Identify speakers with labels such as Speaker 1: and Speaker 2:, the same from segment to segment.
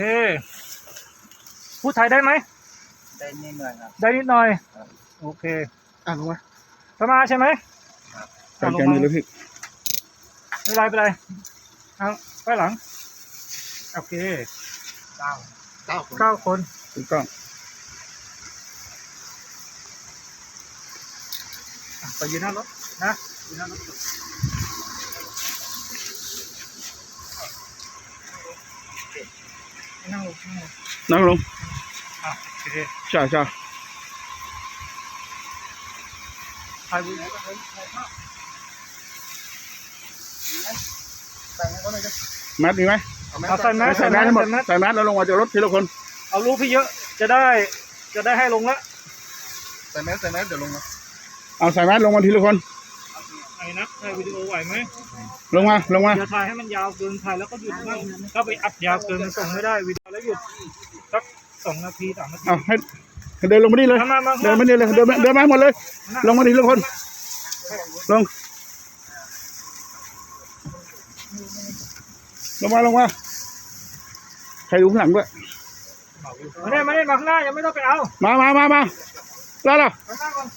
Speaker 1: พูดไทยได้ไหม
Speaker 2: ได้นิดหน่อยครับ
Speaker 1: ได้นิดหน่อยโอเค
Speaker 3: ลงมา
Speaker 1: สมาใช่ไหม
Speaker 3: จัดการมือเลยพี่
Speaker 1: ไม่เป็นไรเอาไปหลังโอเค9 คน
Speaker 3: ถูกต้อง
Speaker 1: ไปยืนหน้ารถนะยืนหน้ารถนั่งลงโอเค
Speaker 3: ใช่
Speaker 1: ถ่ายวิดีโอ
Speaker 3: แมสดีไหม
Speaker 1: ใส่แมส
Speaker 3: ให้หมดใส่แมสแล้วลงมาจากรถทีละคน
Speaker 1: เอารูปพี่เยอะจะได้ให้ลงละ
Speaker 2: ใส่แมสเดี๋ยวลงมา
Speaker 3: เอาใส่แมสลงมาทีละคน
Speaker 1: ไอ้นักถ่ายวิดีโอไหวไหม
Speaker 3: ลงมา
Speaker 1: อย่าถ่ายให้มันยาวเกินถ่ายแล้วก็หยุดบ้างถ้าไปอัดยาวเกินมันส่งไม่ได้วิดีโอแล้วหยุดสัก2 นาที 3 นาที
Speaker 3: ให้เดินลงมานี่เลยเดินมานี่เลยเดินมาหมดเลยลงมาทีละคนลงมาใครดูข้างหลังด้วย
Speaker 1: มาเนี่ยมาข้างหน้ายังไม่ต้องไปเอา
Speaker 3: มาแล้วล่ะ
Speaker 1: ข้างหน้าก่อน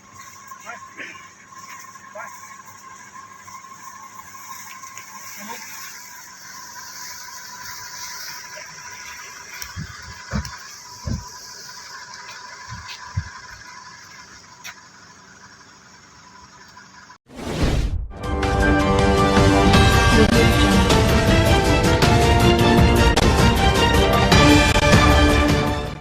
Speaker 1: ไป